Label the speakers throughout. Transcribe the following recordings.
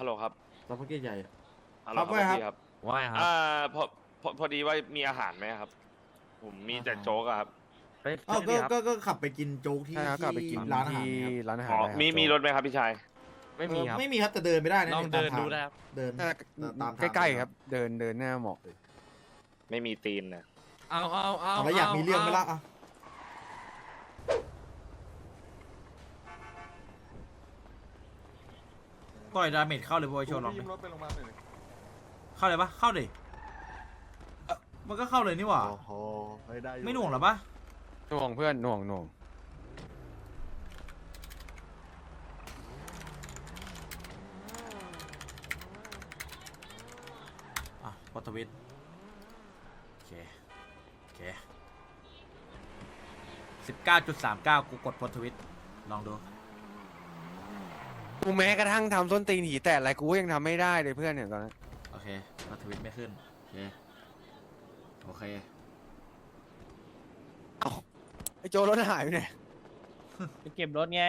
Speaker 1: ฮัลโหลครับ
Speaker 2: ซัพพอร์ตใหญ่อะ
Speaker 1: ฮัลโหล
Speaker 2: ครับว่าครับ
Speaker 1: พี่ครับ
Speaker 3: ว่าไงครับ
Speaker 1: พอดีว่ามีอาหารไหมครับ ผมมีแต่โจ๊กอะครับ
Speaker 3: ไป
Speaker 2: อ้าว
Speaker 3: ที่นี่ครับ
Speaker 2: ก็ขับไปกินโจ๊กที่
Speaker 4: ใช่ครับกลับไปกิน
Speaker 2: ร้านอาหาร
Speaker 4: ที่
Speaker 2: ครับ
Speaker 4: ร้านอาหาร
Speaker 1: อ๋อ
Speaker 4: ได้ครับ
Speaker 1: มีรถไหมครับพี่ชาย
Speaker 3: ไม่มีครับ
Speaker 2: ไม่มีครับแต่เดินไม่ได้นะ
Speaker 3: ลองเดินดูได้
Speaker 2: ตามทาง
Speaker 3: ครับ
Speaker 2: เดิน
Speaker 4: น่า
Speaker 2: ตามทาง
Speaker 4: ใกล้ๆครับ เดินหน้าหมอกเลย
Speaker 1: ไม่มีตีนนะ
Speaker 3: เอา
Speaker 2: แล้วอยากมีเรื่องไหมล่ะอ่ะปล่อยดาเมจเข้าเลยบอยโชว์ลองดิเข้าเลยปะเข้าดิมันก็เข้าเลยนี่หว่า
Speaker 5: โอ้โหได้อยู่
Speaker 2: ไม่หน่วงหรอปะ
Speaker 4: หน่วงเพื่อนหน่วง
Speaker 2: อ่ะพอทวิตโอเค19.39กูกดพอทวิตลองดู
Speaker 4: กูแม้กระทั่งทำส้นตีนหีแตกอะไรกูก็ยังทำไม่ได้เลยเพื่อนเนี่ยตอนนั้น
Speaker 2: โอเคพอทวิตไม่ขึ้นโอเค
Speaker 4: ไอ้โจรถหายไปไหน
Speaker 3: ไปเก็บรถไง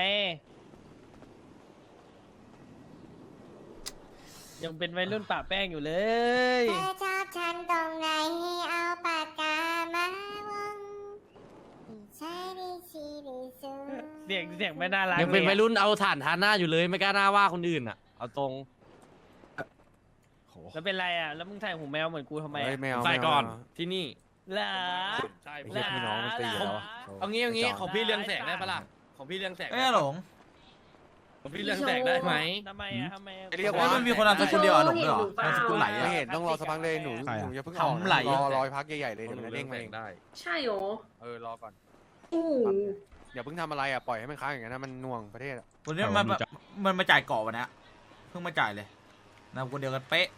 Speaker 3: ยังเป็นวัยรุ่นปะแป้งอยู่เลย
Speaker 6: เธอชอบฉันตรงไหนให้เอาปากกามาวงใช่ดิชีดิซู
Speaker 3: เสียงไม่น่ารัก
Speaker 7: ยังเป็น
Speaker 3: ล
Speaker 7: วัยรุ่นเอาถ่านทาหน้าอยู่เลยไม่กล้าหน้าว่าคนอื่นอ่ะ เอาตรง
Speaker 4: โห
Speaker 3: แล้วเป็นไรอ่ะ แล้วมึงถ่ายหูแมวเหมือนกูทำไม
Speaker 4: เฮ้ย
Speaker 3: อ่ะ
Speaker 4: แมว
Speaker 7: ใส่ก่อน
Speaker 4: แมว
Speaker 7: ที่นี่
Speaker 3: เหรอ
Speaker 7: ใช่
Speaker 4: ไอ้เหี้ยพี่น้องมันตีกันแล้วอะ
Speaker 7: เอางี้ของพี่เรืองแสงได้ปะล่ะของพี่เรืองแสง
Speaker 2: เอ้ยหลง
Speaker 7: ของพี่เรืองแสงได้ไหม
Speaker 3: ทำไมอ่ะทำไมอ่ะ
Speaker 4: ไอ้เรียก
Speaker 2: เฮ้
Speaker 4: ว่าย
Speaker 2: มันมีคนนามสกุลเดียวอ่ะหลงด้วยเหรอนามสกุลไหล
Speaker 4: ไม่
Speaker 2: อ่ะ
Speaker 4: เห็นต้องรอสักพักเลยหนูอย่าเพิ่งออก
Speaker 2: ขำไหล
Speaker 4: รอยพักใหญ่ๆเลยเดี๋ยวมันจะเด้งมาเอง
Speaker 7: ได้
Speaker 8: ใช่เหรอ
Speaker 4: รอก่อน
Speaker 8: โอ้โห
Speaker 4: อย่าเพิ่งทำอะไรอ่ะปล่อยให้มันค้างอย่างนั้นนะมันหน่วงประเทศอ่ะ
Speaker 2: วันนี้มันมาจ่ายเกาะวันนี้เพิ่งมาจ่ายเลยนามสกุลเดียวกันเป๊ะ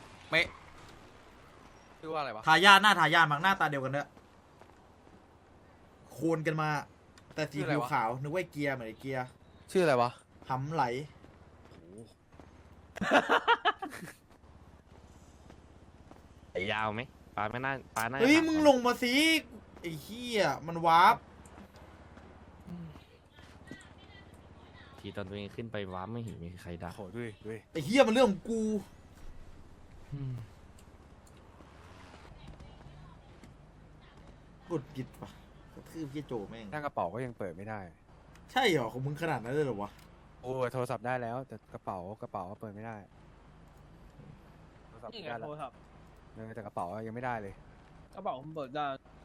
Speaker 4: ชื่อว่าอะไรวะ
Speaker 2: ทายาทหน้าทายาทมักหน้าตาเดียวกันด้วยโคนกันมา แต่สีผิวขาวนึกว่าเกียร์เหมือนไอ้เกียร์
Speaker 4: ชื่ออะไรวะ
Speaker 2: หำไหล
Speaker 7: ไอ้ยาวไหมปลาไม่น่าปลาน่า
Speaker 2: เฮ้ย
Speaker 7: จะ
Speaker 2: มึงลงมาสิไอ้เหี้ยมันวาร์ป
Speaker 7: ทีตอนตัวเองขึ้นไปว้าไม่เห็นมีใครด่า
Speaker 4: โหดูดิ
Speaker 2: ไอ้เหี้ยมันเรื่องของกูกดกิดปะกระทืบเหี้ยโจแม่ง
Speaker 4: ตั้งกระเป๋าก็ยังเปิดไม่ได้
Speaker 2: ใช่เหรอของมึงขนาดนั้นเลยเหรอวะ
Speaker 4: โอ้โทรศัพท์ได้แล้วแต่กระเป๋าก็เปิดไม่ได้โทรศัพท์
Speaker 3: นี่ไง
Speaker 4: ได้แล้
Speaker 3: โท
Speaker 4: ว
Speaker 3: รศัพท์
Speaker 4: แต่กระเป๋ายังไม่ได้เลย
Speaker 3: กระเป๋าผมเปิดได้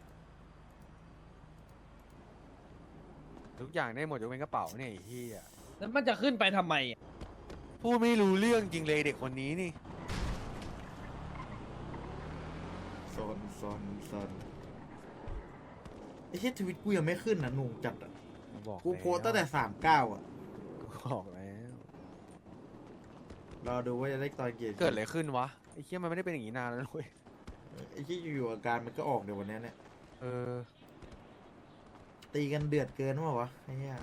Speaker 4: ทุกอย่างได้หมดยกเว้นกระเป๋าเนี่ยไอ้เหี้ย
Speaker 3: แล้วมันจะขึ้นไปทำไมอ่ะ
Speaker 4: พูดไม่รู้เรื่องจริงเลยเด็กคนนี้นี่
Speaker 2: ซนไอ้เหี้ยทวิตกูยังไม่ขึ้นนะหนุ่งจัดอ่ะ
Speaker 4: บอก
Speaker 2: กูโพสต์ตั้งแต่39อ่ะ
Speaker 4: บอกแล้ว
Speaker 2: รอดูว่าจะได้ตอนเกียร์
Speaker 4: เกิดอะไรขึ้นวะไอ้เหี้ยมันไม่ได้เป็นอย่างนี้นานแล้วเว้ย
Speaker 2: ไอ้ที่อยู่ๆอาการมันก็ออกเดี๋ยววันนี้เนี่ย
Speaker 4: เออ
Speaker 2: ตีกันเดือดเกินวะไอ้เหี้ย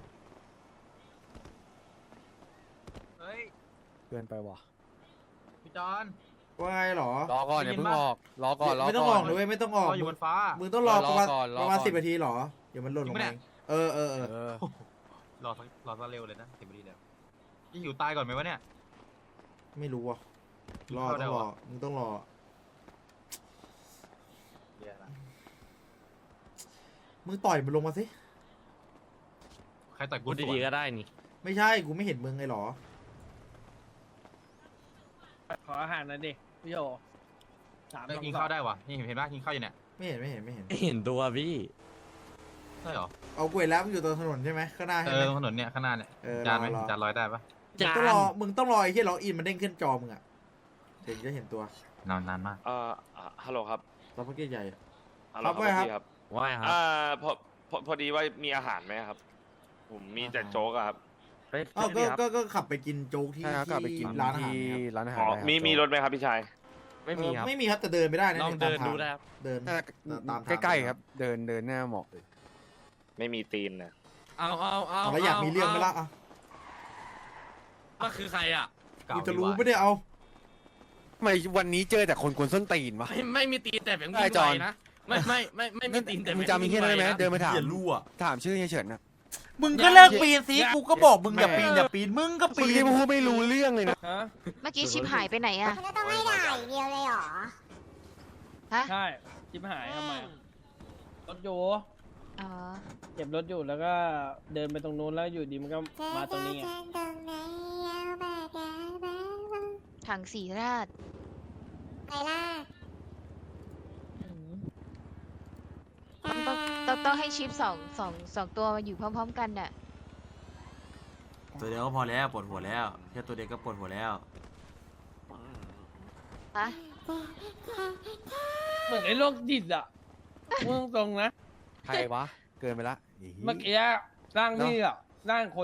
Speaker 5: เฮ้ย
Speaker 4: เกินไปว่ะ
Speaker 5: พี่จอน
Speaker 2: ว่าไงหรอ
Speaker 4: รอก่อนอย่าเพิ่งออกรอก่อน
Speaker 2: ไม่ต้องออกเลยไม่ต้องออก
Speaker 5: อยู่บนฟ้า
Speaker 2: มึงต้องรอประมาณ
Speaker 4: รอก่อน
Speaker 2: ประมาณ10 นาทีหรอเดี๋ยวมันหล่นลง
Speaker 5: จริงปะ
Speaker 2: มา
Speaker 5: เนี่
Speaker 2: เอย งเออ
Speaker 4: เออ
Speaker 5: รอซะเร็วเลยนะ10 นาทีแล้วยิ่งอยู่ตายก่อนไหมวะเนี่ย
Speaker 2: ไม่รู้อ่ะรอ
Speaker 5: เข้าได้
Speaker 2: ต้องรอ
Speaker 5: วะ
Speaker 2: มึงต้องรอ
Speaker 5: เดี๋ยวนะ
Speaker 2: มึงต่อยมันลงมาสิ
Speaker 5: ใครต่อยกู
Speaker 7: พูดดีๆก็ได้นี่
Speaker 2: ไม่ใช่กูไม่เห็นมึงไงหรอ
Speaker 3: ขออาหารหนะดิพี่โย3
Speaker 5: เอ้ยกินข้าวได้วะนี่เห็นป่ะกินข้าวอยู่เนี่ย
Speaker 2: ไม่เห็น
Speaker 7: ไม่เห็นตัวพี่
Speaker 5: ใช่เหรอ
Speaker 2: เอากล้วยแล้วมึงอยู่ตรงถนนใช่ไหมข้างหน้า
Speaker 5: เอ
Speaker 2: ใช่ไหม
Speaker 5: อถนนเนี่ยข้างหน้าเนี่ย
Speaker 2: เออ
Speaker 5: จานไหม
Speaker 2: รอ
Speaker 5: จานลอยได้ปะ
Speaker 2: มึงต้องรอไอ้ที่ล็อกอินมันเด้งขึ้นจอมึงอ่ะถึงจะเห็นตัวน
Speaker 5: านมาก
Speaker 1: ฮัลโหลครับ
Speaker 2: ซัพพอร์ตใหญ่อะ
Speaker 1: ฮัลโหล
Speaker 2: ครับว่าครับ
Speaker 1: พี่ครับ
Speaker 7: ว่าไงครับ
Speaker 1: พอดีว่ามีอาหารไหมครับ ผมมีแต่โจ๊กอะครับ
Speaker 7: ไป
Speaker 2: อ้าว
Speaker 7: ที่นี่ครับ
Speaker 2: ก็ขับไปกินโจ๊กที่
Speaker 4: ใช่ครับกลับไปกิน
Speaker 2: ร้านอาหาร
Speaker 4: ที่
Speaker 2: ครับ
Speaker 4: ร้านอาหาร
Speaker 1: อ๋อ
Speaker 4: ได้ครับ
Speaker 1: มีรถไหมครับพี่ชาย
Speaker 7: ไม่มีครับ
Speaker 2: ไม่มีครับแต่เดินไม่ได้นะ
Speaker 7: ลองเดินดูได้ครับ
Speaker 2: เดิน
Speaker 4: น่า
Speaker 2: ตามทาง
Speaker 4: ใกล้ๆครับเดินหน้าหมอกเลย
Speaker 1: ไม่มีตีนนะ
Speaker 7: เอา
Speaker 2: แล้วอยากมีเรื่องไหมล่ะอ่ะ
Speaker 7: ก็คือใครอ่ะ
Speaker 2: กูจะรู้ไม่ได้เอา
Speaker 4: ทำไมวันนี้เจอแต่คนกวนส้นตีนวะ
Speaker 7: ไม่มีตีนแต่แบงค์
Speaker 4: ได้
Speaker 7: วิ่ง
Speaker 4: จ
Speaker 7: ไว
Speaker 4: อน
Speaker 7: นะไม่มีตีนแต่
Speaker 4: มึงจำมีแค่นั้นได้ไหมเดินมาถาม
Speaker 7: อย่ารั่ว
Speaker 4: ถามชื่อเฮียเฉินนะ
Speaker 2: มึงก็เลิกปีนสิกูก็บอกมึงอย่าปีนมึงก็
Speaker 4: ปี
Speaker 2: ปีน
Speaker 4: พูดไม่รู้เรื่องเลยนะ
Speaker 3: ฮะ
Speaker 6: เมื่อกี้ชิปหายไปไหนอะก็ต้องให้ด่าอย่างเดียวเลยเหรอ ฮะ
Speaker 3: ใช่ชิบหายทำไมอะรถอยู่
Speaker 6: อ๋อ
Speaker 3: เก็บรถอยู่แล้วก็เดินไปตรงนู้นแล้วอยู่ดีมันก็มาตรงนี้ไง
Speaker 6: ถังสีราดไปล่ะต้องให้ชิปสองตัวมาอยู่พร้อมๆกันน่ะ
Speaker 2: ตัวเดียวก็พอแล้วปวดหัวแล้วแค่ตัวเดียวก็ปวดหัวแล้ว
Speaker 6: ฮะ
Speaker 3: เหมือนไอ้โรคจิตอ่ะมึงตรงนะ
Speaker 4: ใครวะ เกินไปละไอ้เหี้ย
Speaker 3: เมื่อกี้ร่างนี่อ่ะร่างคน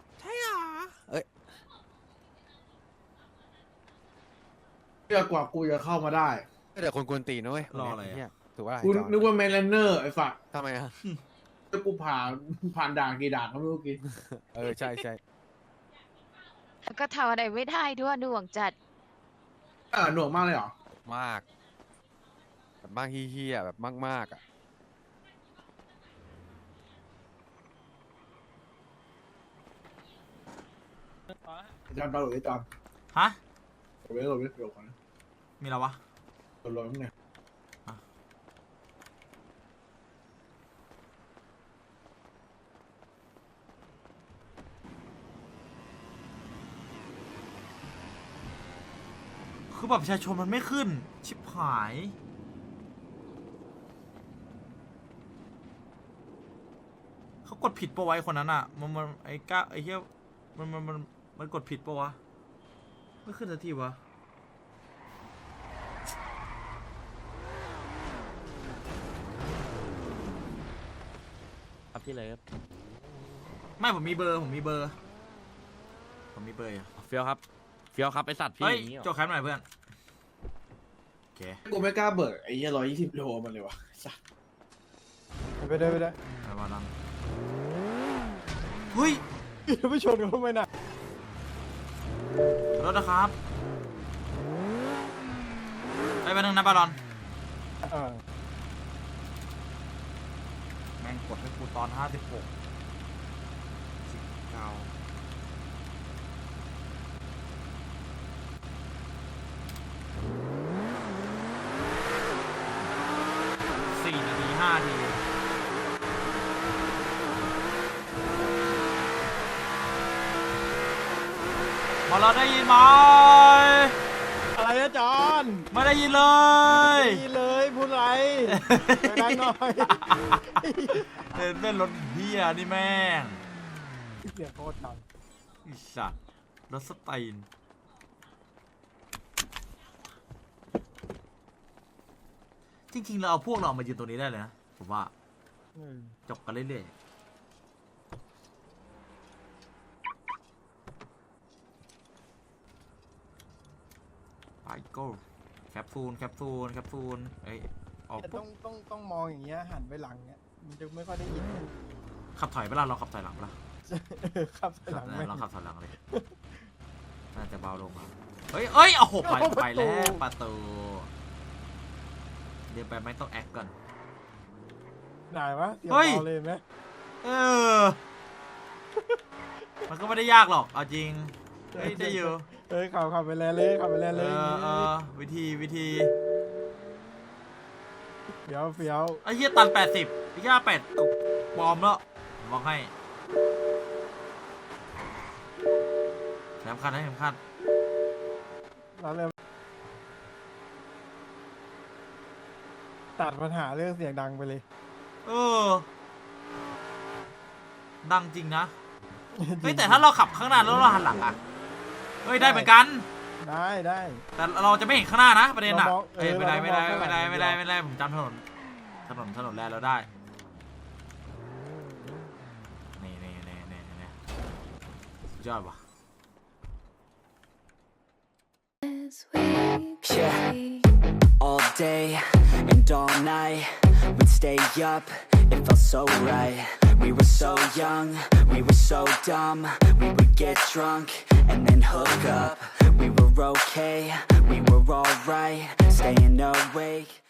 Speaker 8: เพื่อกว่ากูจะเข้ามาได้
Speaker 4: แต่คนกวนตีนนะเว้ย
Speaker 2: รออะไรอะ
Speaker 4: เนี่ยถือว่า
Speaker 8: กูนึกว่าแมนแลนเนอร์ไอ้ฝัก
Speaker 4: ทำไมอะ
Speaker 8: แล้วกูผ่านด่านกี่ด่านก็ไม่รู้กี่
Speaker 4: ใช่ใช่
Speaker 6: แล้วก็ทำอะไรไม่ได้ด้วยหน่วงจัด
Speaker 8: หน่วงมากเลยเหรอ
Speaker 4: มากแบบมากเฮี้ยๆแบบมากๆอ่ะ
Speaker 8: จำตาหลุดไอ้จอม
Speaker 2: ฮะ
Speaker 8: โหลดก่อนนะ
Speaker 2: มีอะไรวะ
Speaker 8: โหลดมั้งเนี่ย
Speaker 2: คือแบบประชาชนมันไม่ขึ้น ชิบหาย เขากดผิดปะวะไอ้คนนั้นอ่ะ มันไอ้ก้าไอ้เหี้ยมันกดผิดปะวะ ไม่ขึ้นสักทีวะ
Speaker 7: ครับพี่เลิฟ
Speaker 2: ไม่ผมมีเบอร์อยู่
Speaker 7: เฟี้ยวครับเฟี้ยวครับไอสัตว์พี่
Speaker 2: เฮ้ย
Speaker 7: อย่างนี้เหรอ
Speaker 2: โจกแคปหน่อยเพื่อน โอเค
Speaker 8: กูไม่กล้าเบิกไอ้เหี้ย120 โลมันเลยวะสัส
Speaker 4: ไปได้
Speaker 2: ไปมาลังเฮ้ย
Speaker 4: ไม่ชนกันทำไมน่ะ
Speaker 2: รถนะครับไปนึงนะบาลอนแม่งกดให้กูตอน56 4 นาที 5 นาที มาเราได้ยินไหม
Speaker 4: อะไรนะจอน
Speaker 2: ไม่ได้ยินเลย
Speaker 4: ดีเลยพูดไรไปดังหน่อย
Speaker 2: เต้นรถเฮียนี่แม่ง
Speaker 4: เสียงโคตรดัง
Speaker 2: อิสัตว์รถสไตล์จริงๆเราเอาพวกเรามายืนตรงนี้ได้เลยนะ ผมว่าจบกันเรื่อยๆไปโก้แคปซูลเอ้ยออก
Speaker 9: แต่ต้องมองอย่างเงี้ยหันไปหลังเนี้ยมันจะไม่ค่อยได้ยิน
Speaker 2: ขับถอยไปละเราขับถอยหลังไปละ
Speaker 9: ครับหลังไม่
Speaker 2: เราขับถอยหลังเลยน่าจะเบาลงมาเฮ้ยเอาหกไปแล้วประตูเดี๋ยวไปไม่ต้องแอคก่อน
Speaker 9: ได้ปะเสียง
Speaker 2: เฮ้ย
Speaker 9: เบาเลยไหม
Speaker 2: มันก็ไม่ได้ยากหรอกเอาจริงเฮ้ยได้อยู่
Speaker 9: เอ้ยขับไปแล้วเลยขับไปแล้วเลย
Speaker 2: วิธี
Speaker 9: เฟี้ยว
Speaker 2: ไอ้เหี้ยตัน80ไอ้เหี้ย8ปลอมแล้วบอกให้แถมคันให้แถมคัน
Speaker 9: แล้วเลยตัดปัญหาเรื่องเสียงดังไปเลย
Speaker 2: ดังจริงนะเฮ้ยแต่ถ้าเราขับข้างหน้าแล้วเราหันหลังอ่ะเฮ้ยได้เหมือนกัน
Speaker 9: ได้
Speaker 2: แต่เราจะไม่เห็นข้างหน้านะประเด็นอ่ะ
Speaker 9: เรามอง
Speaker 2: เอ้ยไม่ได้
Speaker 9: เรามองข้างหลัง
Speaker 2: ไม่ได้ผมจำถนนแลนด์เราได้นี่สุดยอดว่ะ
Speaker 10: Yeah, all day and all night we'd stay up, it felt so right. We were so young, we were so dumb. We would get drunk and then hook up. We were okay, we were alright, staying awake